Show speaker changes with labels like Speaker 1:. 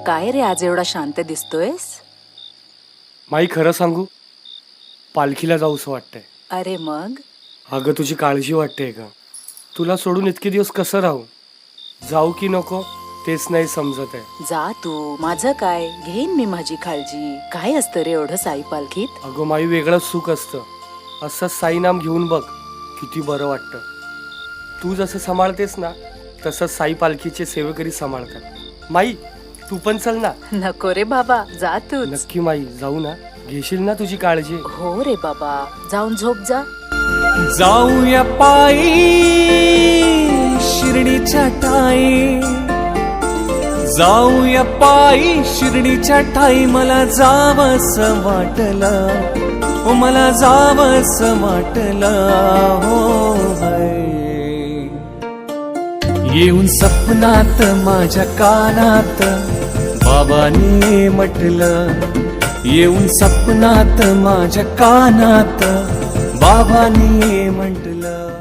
Speaker 1: काय रे आज एवढा शांत दिसतोयस?
Speaker 2: माई खरं सांगू, पालखीला जाऊसं वाटतंय.
Speaker 1: अरे मग
Speaker 2: अगं तुझी काळजी वाटते का? तुला सोडून इतके दिवस कसं राहू? जाऊ की नको तेच नाही समजत आहे.
Speaker 1: जा तू, माझं काय, घेईन मी माझी काळजी. काय असतं रे एवढं साई पालखीत?
Speaker 2: अगं माई वेगळंच सुख असतं. असं साई नाम घेऊन बघ, किती बरं वाटतं. तू जसं सांभाळतेस ना तसं साई पालखीचे सेवेकरी सांभाळतात. माई तू पण चल ना.
Speaker 1: नको रे बाबा, जा तूच.
Speaker 2: नक्की माई, जाऊ ना? घेशील ना तुझी काळजी?
Speaker 1: हो रे बाबा, जाऊन झोप जा.
Speaker 3: जाऊया पायी शिर्डीच्या ठाई, जाऊया पायी शिर्डीच्या ठाई. मला जावस वाटलं, हो मला जावस वाटलं, हो बाई. येऊन सपनात माझ्या कानात बाबांनी म्हटलं, येऊन सपनात माझ्या कानात बाबांनी म्हटलं.